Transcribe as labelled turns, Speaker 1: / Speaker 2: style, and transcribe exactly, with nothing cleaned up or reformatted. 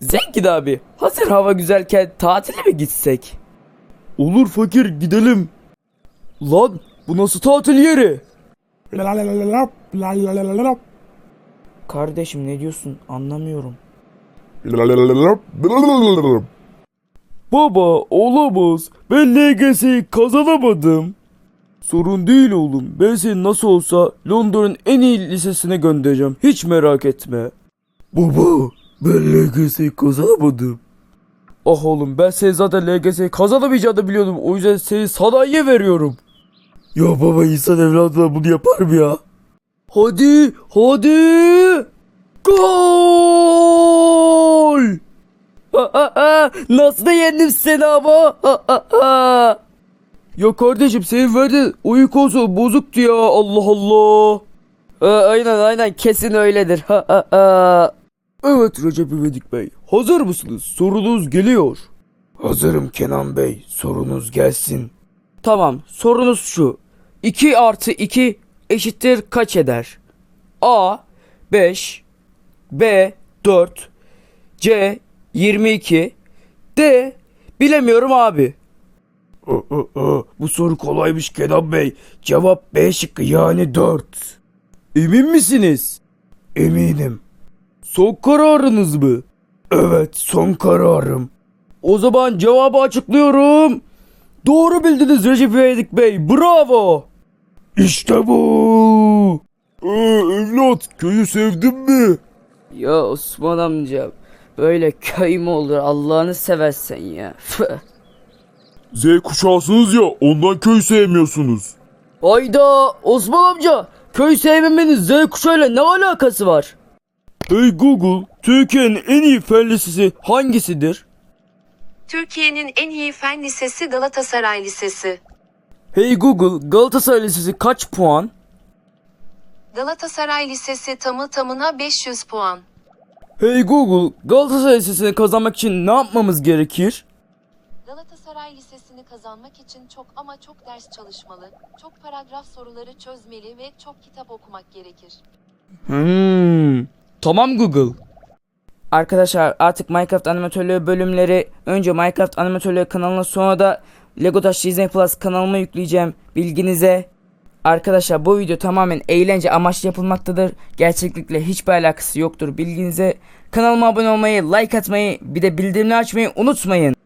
Speaker 1: Zengin abi, hazır hava güzelken tatile mi gitsek?
Speaker 2: Olur fakir, gidelim. Lan bu nasıl tatil yeri?
Speaker 1: Kardeşim ne diyorsun anlamıyorum.
Speaker 2: Baba olamaz. Ben L G S'yi kazanamadım. Sorun değil oğlum. Ben seni nasıl olsa Londra'nın en iyi lisesine göndereceğim. Hiç merak etme. Baba ben L G S'yi kazanamadım. Ah oğlum, ben seni zaten L G S'yi kazanamayacağını biliyordum. O yüzden seni sanayiye veriyorum. Ya baba, insan evladına bunu yapar mı ya? Hadi hadi. Gol!
Speaker 1: Ha, ha, ha. Nasıl da yendim seni ama? Ha, ha, ha.
Speaker 2: Ya kardeşim, senin verdiğin oyun konsolu bozuktu ya, Allah Allah.
Speaker 1: Ha, aynen aynen kesin öyledir. Ha, ha, ha.
Speaker 2: Evet Recep İvedik Bey, hazır mısınız? Sorunuz geliyor. Hazırım Kenan Bey, sorunuz gelsin.
Speaker 1: Tamam, sorunuz şu. iki artı iki eşittir kaç eder? A beş, B dört, C yirmi iki, D bilemiyorum abi.
Speaker 2: Aa, aa, aa, bu soru kolaymış Kenan Bey. Cevap B şıkkı, yani dört. Emin misiniz? Eminim. Son kararınız mı? Evet, son kararım.
Speaker 1: O zaman cevabı açıklıyorum. Doğru bildiniz Recep İvedik Bey. Bravo.
Speaker 2: İşte bu. Ee, evlat, köyü sevdin mi?
Speaker 1: Ya Osman amca, böyle köy mü olur Allah'ını seversen ya.
Speaker 2: Z kuşağısınız ya, ondan köy sevmiyorsunuz.
Speaker 1: Hayda Osman amca, köy sevmemenin Z kuşağıyla ne alakası var?
Speaker 2: Hey Google, Türkiye'nin en iyi fen lisesi hangisidir?
Speaker 3: Türkiye'nin en iyi fen lisesi Galatasaray Lisesi.
Speaker 1: Hey Google, Galatasaray Lisesi kaç puan?
Speaker 3: Galatasaray Lisesi tamı tamına beş yüz puan.
Speaker 1: Hey Google, Galatasaray Lisesi'ni kazanmak için ne yapmamız gerekir?
Speaker 3: Galatasaray Lisesi'ni kazanmak için çok ama çok ders çalışmalı, çok paragraf soruları çözmeli ve çok kitap okumak gerekir.
Speaker 1: Hmm. Tamam Google. Arkadaşlar artık Minecraft animatörlüğü bölümleri önce Minecraft animatörlüğü kanalına, sonra da Lego Taş Disney Plus kanalıma yükleyeceğim, bilginize. Arkadaşlar bu video tamamen eğlence amaçlı yapılmaktadır. Gerçeklikle hiçbir alakası yoktur, bilginize. Kanalıma abone olmayı, like atmayı, bir de bildirimleri açmayı unutmayın.